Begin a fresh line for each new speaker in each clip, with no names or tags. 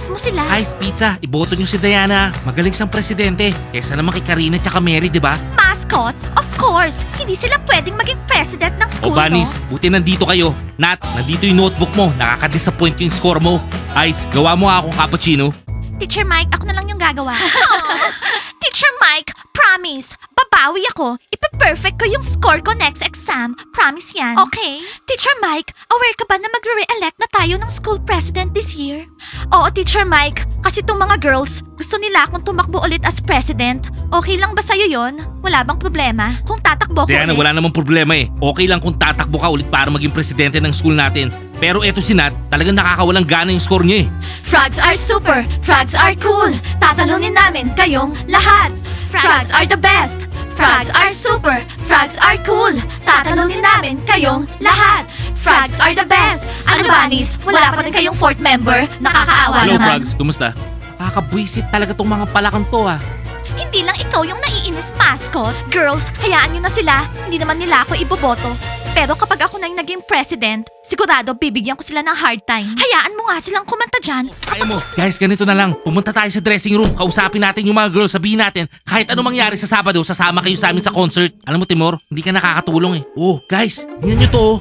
i-miss mo sila.
Ice Pizza, iboto nyo si Diana. Magaling siyang presidente. Kesa naman kay Karina at Mary, di ba?
Mascot? Of course. Hindi sila pwedeng maging president ng
O
school,
Banis,
no?
buti nandito kayo. Nat, nandito yung notebook mo. Nakaka-disappoint yung score mo. Ice, gawa mo nga akong cappuccino.
Teacher Mike, ako na lang yung gagawa. Teacher Mike, promise. Babawi ako. Ipa-perfect ko yung score ko next exam. Promise yan. Okay. Teacher Mike, aware ka ba na magre-re-elect na tayo ng school president this year? Oo, Teacher Mike. Kasi tong mga girls, gusto nila akong tumakbo ulit as president. Okay lang ba sa'yo yon? Wala bang problema? Kung tatakbo ko
Diana,
ulit?
wala namang problema eh. Okay lang kung tatakbo ka ulit para maging presidente ng school natin. Pero eto si Nat, talagang nakakawalang gana yung score niya eh.
Frogs are super, frogs are cool. Tatalunin namin kayong lahat. Frogs are the best. Frogs are super, frogs are cool. Tatalunin namin kayong lahat. Frogs are the best. Ano Bunnies? Wala pa rin kayong fourth member? Nakakaawa
Hello
naman.
Frogs, kumusta? Nakakabwisit talaga tong mga palakang to ah.
Hindi lang ikaw yung naiinis, mascot. Girls, hayaan nyo na sila. Hindi naman nila ako iboboto. Pero kapag ako na yung naging president, sigurado bibigyan ko sila ng hard time. Hayaan mo nga silang kumanta dyan.
Kaya mo. Guys, ganito na lang. Pumunta tayo sa dressing room. Kausapin natin yung mga girls. Sabihin natin, kahit ano mangyari sa Sabado, sasama kayo sa amin sa concert. Alam mo, Timor, hindi ka nakakatulong eh. Oh, guys, tingnan nyo to oh.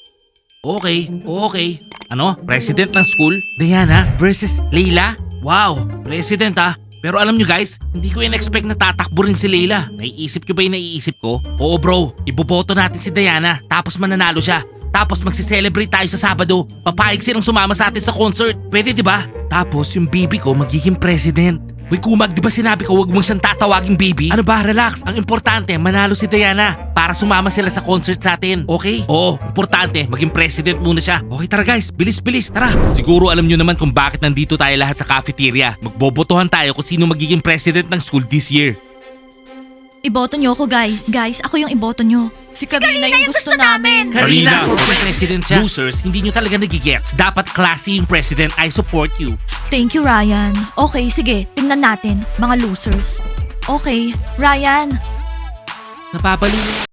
Okay. Ano? President ng school? Diana versus Leila? Wow, president ah. Pero alam nyo guys, hindi ko in-expect na tatakbo rin si Leila. Naiisip ko ba yung naiisip ko? Oo bro, iboboto natin si Diana, tapos mananalo siya. Tapos magsi-celebrate tayo sa Sabado. Papayag silang sumama sa atin sa concert. Pwede di ba? Tapos yung baby ko magiging president. Uy Kumag, di ba sinabi ko wag mong siyang tatawaging baby? Ano ba, relax. Ang importante, manalo si Diana para sumama sila sa concert sa atin. Okay? Oo, importante, maging president muna siya. Okay, tara guys, bilis, tara. Siguro alam nyo naman kung bakit nandito tayo lahat sa cafeteria. Magbobotohan tayo kung sino magiging president ng school this year.
Iboto nyo ako, guys. Guys, ako yung iboto nyo. Si Karina yung gusto namin.
Karina, kung president siya. Losers, hindi nyo talaga nagigets. Dapat classy yung president. I support you.
Thank you, Ryan. Okay, sige. Tingnan natin, mga losers. Okay, Ryan.
Napapaliw